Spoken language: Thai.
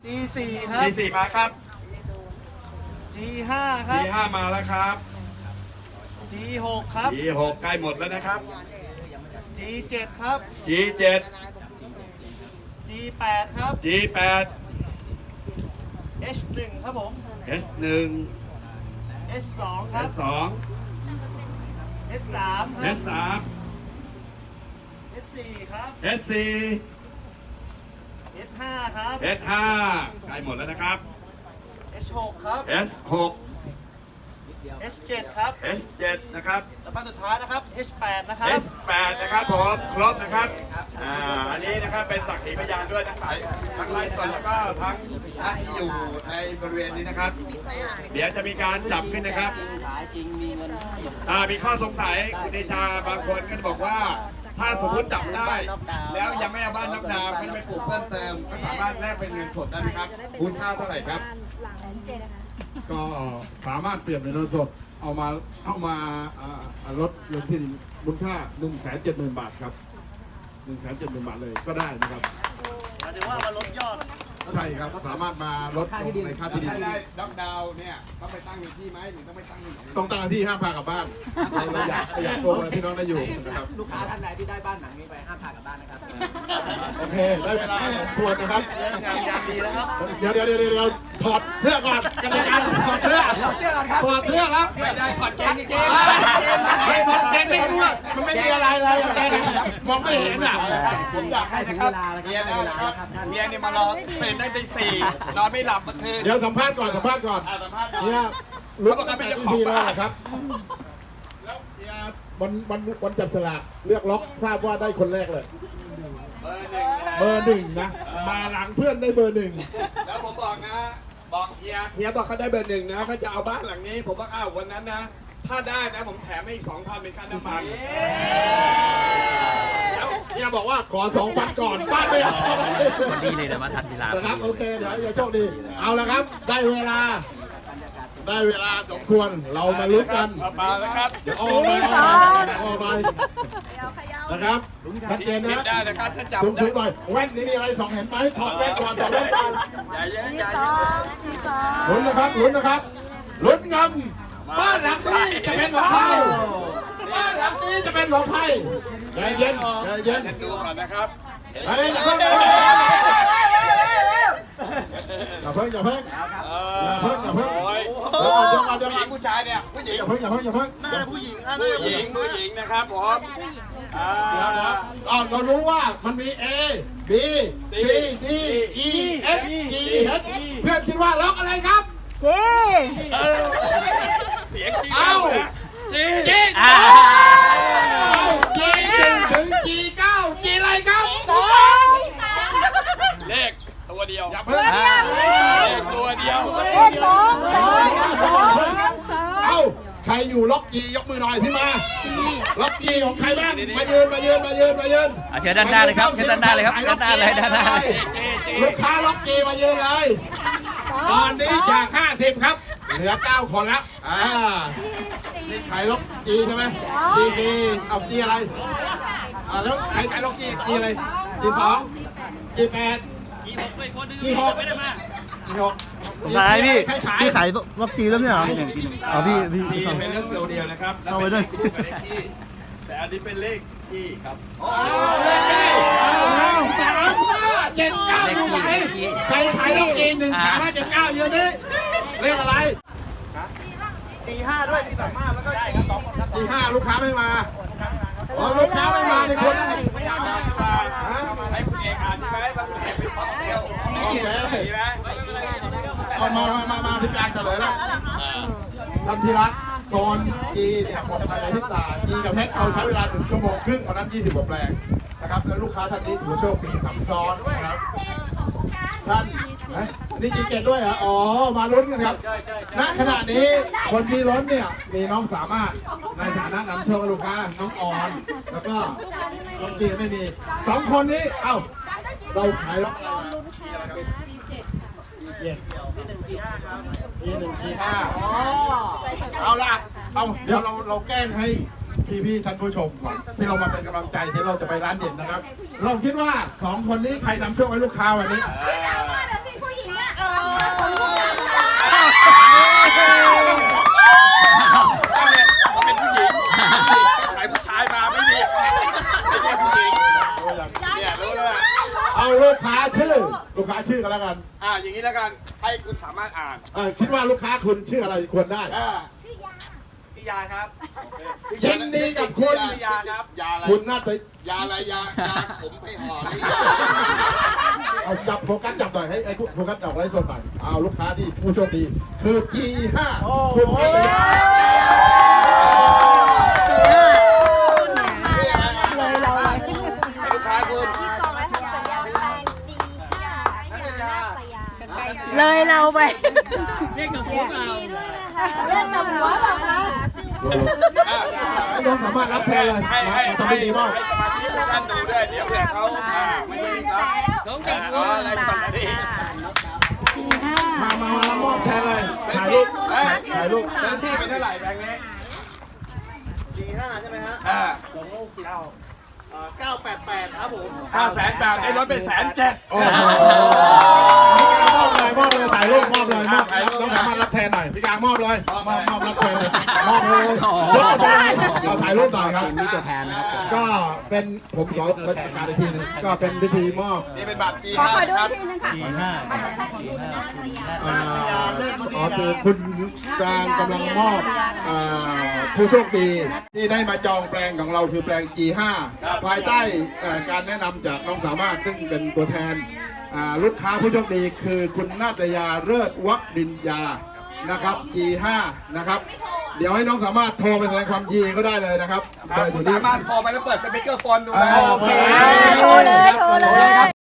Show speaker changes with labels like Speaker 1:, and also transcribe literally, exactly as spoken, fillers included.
Speaker 1: จี สี่ ครับ
Speaker 2: จี สี่ มาครับ
Speaker 1: จี ห้า ครับ
Speaker 2: จี ห้า มาแล้วครับ
Speaker 1: จี หก ครับ
Speaker 2: จี หก ใกล้หมดแล้วนะครับ
Speaker 1: จี เจ็ด ครับ
Speaker 2: จี เจ็ด
Speaker 1: จี แปด ครับ
Speaker 2: จี แปด
Speaker 1: เอช หนึ่ง ครับผม
Speaker 2: เอส หนึ่ง
Speaker 1: เอช สอง ครับ
Speaker 2: เอส สอง
Speaker 1: เอช สาม ค
Speaker 2: เอ
Speaker 1: รับ
Speaker 2: ส สาม
Speaker 1: เอช สี่ ครับ
Speaker 2: เอส สี่
Speaker 1: เอช ห้า ครับ
Speaker 2: เอส ห้า ใกล้หมดแล้วนะครับ
Speaker 1: เอช หก ครับ
Speaker 2: เอส หก
Speaker 1: เอช เจ็ด ครับ
Speaker 2: เอส เจ็ด นะครับ
Speaker 1: แล้วมาสุดท้ายนะครับ เอช แปด นะครับ
Speaker 2: เอส แปด นะครับผมครบนะครับอ่าอันนี้นะครับเป็นสักขีพยานด้วยทั้งหลายทั้งไลฟ์สดแล้วก็ทั้งท่านที่อยู่ในบริเวณนี้นะครับ เดี๋ยวจะมีการจับขึ้นนะครับอ่ามีข้อสงสัยคุณเดชาบางคนก็จะบอกว่า ถ้าสมมติจับได้ แล้วยังไม่เอาบ้านน็อกดาวน์ก็จะไปปลูกเพิ่มเติมก็สามารถแลกเป็นเงินสดได้ไหมครับคุณค่าเท่าไหร่ครับ
Speaker 3: ก็สามารถเปลี่ยนเป็นเงินสดเอามาเอามาอ่าอ่าลดเงินที่มูลค่า หนึ่งแสนเจ็ดหมื่น บาทครับ หนึ่งแสนเจ็ดหมื่น บาทเลยก็ได้นะครับ
Speaker 1: หมายถึงว่ามาลดยอด
Speaker 3: ใช่ครับสามารถมาลดลงในค่าที่ดิน
Speaker 2: ถ้าได้น็อกดาวน์เนี่ยต้องไปตั้งในที่ไหมหรือต้องไปตั้งที่ไหน
Speaker 3: ต้องตั้งที่ห้ามพากลับบ้านเราอยากอยากโกงอะไรพี่น้องได้อยู่นะครับ
Speaker 4: ลูกค้าท่านใดที่ได้บ้านหลังนี้ไปห้ามพากลับบ้านนะครับ
Speaker 3: โอเคได้เวลาสมควรนะครับ
Speaker 1: เรื่องงานยามดีแล้วครับ
Speaker 3: เดี๋ยวเดี๋ยวเดี๋ยวเดี๋ยวเราถอดเสื้อก่อนกันในการถอดเสื้อถอดเสื้อครับ
Speaker 2: ไม่ได้ขอดแกงจริง
Speaker 3: ไม่ถอดเกงไม่รู้ว่ามันไม่มีอะไรเลยแกมองไม่เห็นอ่ะ
Speaker 2: ผมอยากให้นะครับเมียนะครับเมียเนี่ยมารอตื่นได้ตีสี่นอนไม่หลับเมื่อคืน
Speaker 3: เดี๋ยวสัมภาษณ์ก่อนสัมภาษณ์ก่อน
Speaker 2: อ่าสัมภาษณ์
Speaker 3: เนี่ย
Speaker 2: เขาบอกว่าเป็นเจ้าของบ้าน
Speaker 3: แล้วครับ แล้วเนี่ยวันวันวันจับฉลากเลือกล็อกทราบว่าได้คนแรกเลย
Speaker 2: เบอร์หนึ่ง
Speaker 3: เบอร์หนึ่งนะ มาหลังเพื่อนได้เบอร์หนึ่ง
Speaker 2: แล้วผมบอกนะ บอกเฮียเฮียบอกเขาได้เบอร์หนึ่งนะเขาจะเอาบ้านหลังนี้ ผมบอกอ้าววันนั้นนะ ถ้าได้นะผมแถมให้อีกสองพันเป็นค่าน้ำมัน
Speaker 3: แล้วเนี่ยบอกว่าขอสองพันก่อนบ้านไม่เอา
Speaker 4: วันนี้เลยนะมาทันเวลา
Speaker 3: นะครับโอเคเดี๋ยวอย่าโชคดี เอาละครับ ได้เวลา ได้เวลาสมควรเรามาลุ้นกัน
Speaker 2: เอามาแล้วครับ
Speaker 3: เดี๋ยวเอาไปเอาไปเอาไปนะครับชัดเจน
Speaker 2: ผิด
Speaker 3: นะ
Speaker 2: ได้นะครับถ้าจับ
Speaker 3: สูง
Speaker 2: ได้
Speaker 3: สูงหน่อยแว่นนี้มีอะไรสองเห็นไหมถอดแว่นก่อนถอดแว่นก่อน
Speaker 2: อย่าเยอะอย่าเยอะ
Speaker 3: ลุ้นนะครับลุ้นนะครับลุ้นเงินบ้านหลังนี้จะเป็นของใครบ้านหลังนี้จะเป็นของใครใจเย็นใจเย็น
Speaker 2: ดูก่อนนะครับ
Speaker 3: เฮ้ยอย่าเพิ่งอย่าเพิ่งอย่าเพิ่ง อย่าเพิ่งอย่าเพิ่ง
Speaker 2: โอ้ย
Speaker 3: เดี๋ยวก่อนเดี๋ยวก่อนเดี๋ยว
Speaker 2: ผู้ห
Speaker 3: ก่
Speaker 2: ญิ
Speaker 3: อง น
Speaker 2: ผู้ชายเนี่ยผู้หญิง
Speaker 3: อย่าเพิ่งอย่าเพิ่งอย่าเพิ่ง
Speaker 1: น่าจะผู้หญิงครับ
Speaker 2: ผู้หญิงผู้หญิงนะครับผมอ่า
Speaker 3: เดี๋ยวนะอ่าเรารู้ว่ามันมี A B C D E F G H เพื่อนคิดว่าล็อกอะไรครับ
Speaker 2: เสียงจริง
Speaker 3: เอ้า
Speaker 2: นะจริง
Speaker 3: G เอ้า G หนึ่งถึง G เก้า G อะไรครับ
Speaker 2: เลขตัวเดียว
Speaker 3: อย่าเพิ่ง
Speaker 2: เลขตัวเดียว
Speaker 3: เอ้าใครอยู่ล็อก G ยกมือหน่อยพี่มาล็อก G ของใครบ้างมายืนมายืนมายืนมายืน
Speaker 4: อ่ะเชิญด้านหน้าเลยครับเชิญด้านหน้าเลยครับด้านหน้าเลยด้านหน้าเลย
Speaker 3: ลูกค้าล็อก G มายืนเลยตอนนี้จากห้าสิบครับเหลือเก้าคนแล้วอ่านี่ใครล็อก G ใช่ไหม G G เอา G อะไรอ่าแล้วใครใครล็อก G G อะไร G สอง G แปด G หก G หก
Speaker 1: ขายพี่
Speaker 3: ใครขาย
Speaker 1: พี่ขายล็อกจีแล้วเนี่ยเหรออ๋อพี่พี่
Speaker 2: มีเป็นเลขตัวเดียวนะครับ
Speaker 1: เอาไว้ด้วย
Speaker 2: แต่อันนี้เป็นเลขที่ครับ
Speaker 3: สามห้าเจ็ดเก้าอยู่ไหนใครขายล็อก G หนึ่งสามห้าเจ็ดเก้าอยู่นี่เรียกอะไร
Speaker 1: จี ห้า ด้วยพี่สามารถแล้วก็จีสองคนครับ
Speaker 3: G ห้าลูกค้าไม่มาอ๋อลูกค้าไม่มาในคน
Speaker 2: ไม่อยากมาดีกว่าให้คุณเอกอ่านดีไหมว่าคุณเอกเป็นพ็อกเซล
Speaker 3: โอเค
Speaker 2: ดีไหม
Speaker 3: เอามามามามาพี่กลางเฉลยแล้วท่านที่รักโซน G เนี่ยหมดภายในพริบตา G กับเพชรเราใช้เวลาถึงชั่วโมงครึ่งวันนั้นยี่สิบกว่าแปลงนะครับแล้วลูกค้าท่านนี้ถือว่าโชคดีสัมซ้อนนะครับท่านเอ๊ะนี่ G เจ็ดด้วยเหรออ๋อมาลุ้นกันครับณขณะนี้คนที่ล้นเนี่ยมีน้องสามารถในฐานะนำโชคให้ลูกค้าน้องออน แล้วก็น้องจีไม่มีสองคนนี้เอ้าเราขายล็อกอะไรมาเจ็ด
Speaker 1: จีหนึ่งจีห้าครับ
Speaker 3: ทีหนึ่งทีห้าเอาละเอาเดี๋ยวเราเราแกล้งให้พี่พี่ๆท่านผู้ชมก่อนที่เรามาเป็นกำลังใจที่เราจะไปร้านเด็ดนะครับ เราคิดว่าสองคนนี้ใครนำโชคให้ลูกค้าวันนี้
Speaker 2: อ่า
Speaker 3: ค้าชื่อกันแล้วกัน
Speaker 2: อ่าอย่างนี้แล้วกันให้คุณสามารถอ่าน
Speaker 3: เออคิดว่าลูกค้าคุณชื่ออะไรควรได้
Speaker 2: อ่า
Speaker 1: พี่ยาครับ
Speaker 3: ยินดีกับคุณ
Speaker 2: ยาครับยาอะไร
Speaker 3: คุณน่าจะ
Speaker 2: ยาอะไรยายาขมไปห่อหรือ
Speaker 3: เอาจับโฟกัสจับหน่อยให้ไอ้โฟกัสจับไว้ส่วนหน่อยเอาลูกค้าที่ผู้โชคดีคือ จี ห้า คุณนัทยา
Speaker 5: เลยเราเลย
Speaker 2: ให้ลูกค้าคุณ
Speaker 6: ที่จองและทำสัญญาเป็นแปลง จี ห้า นาตยา
Speaker 5: เลยเราไป
Speaker 6: ดีด้วยนะคะเล่นแบบหัวแบบนะชื่อว่า
Speaker 3: ให้น้องสามารถรับแทนเลย
Speaker 2: ให้ให้
Speaker 3: ทำ
Speaker 2: ให้
Speaker 3: ได้ดีมาก
Speaker 2: ให้สมาชิกทุกท่านดูด้วยเดี๋ยวเผื่อเขาอ่าไม่ได้ยินครับอ๋ออะไรสั่นนะนี่
Speaker 3: มามามารับมอบแทนเลยถ่ายรูปถ่ายรูป
Speaker 2: ซื้อที่เป็นเท่าไหร่แบงค์นี้
Speaker 1: จีห้าใช่ไหมฮะ
Speaker 2: อ่า
Speaker 1: เก้าเอ่อเก้าแปดแปดครับผม
Speaker 2: ห้าแสนแปดได้รถไปแสนเจ็ด
Speaker 3: โอ้โหมอบเลยมอบเลยถ่ายรูปมอบเลยมอบน้องสามารถรับแทนหน่อยพี่กลางมอบเลยมอบมอบรับแทนเลยมอบเลยยกไปเลยเราถ่ายรูปหน่อยครับ
Speaker 4: มีตัวแทนนะครับ
Speaker 3: ก็เป็นผมขอประกาศอีกทีหนึงก็เป็นพิธีมอบ
Speaker 2: นี่เป็นบัตร จี
Speaker 5: ขอ
Speaker 2: ห้า
Speaker 5: ขอดู
Speaker 2: ครับ
Speaker 5: ทีนึงค่ะ
Speaker 3: อ่าอ๋อคือคุณกลางกำลังมอบอ่าผู้โชคดีที่ได้มาจองแปลงของเราคือแปลง จี ห้า ภายใต้เอ่อการแนะนำจากน้องสามารถซึ่งเป็นตัวแทนอ่าลูกค้าผู้โชคดีคือคุณนาตยาเลิศวรินยานะครับ จี ห้า นะครับ เดี๋ยวให้น้องสามารถโทรไปแสดงความยินดีก็ได้เลยนะครับ
Speaker 2: ครับ
Speaker 3: เบอร์อ
Speaker 2: คุณ
Speaker 3: ยู่ที่
Speaker 2: สามารถโทรไปแล้วเปิดสปีกเกอร์โฟนดู
Speaker 3: อ่า
Speaker 2: นะ
Speaker 3: โอเค
Speaker 5: โทรเลยโทรเลย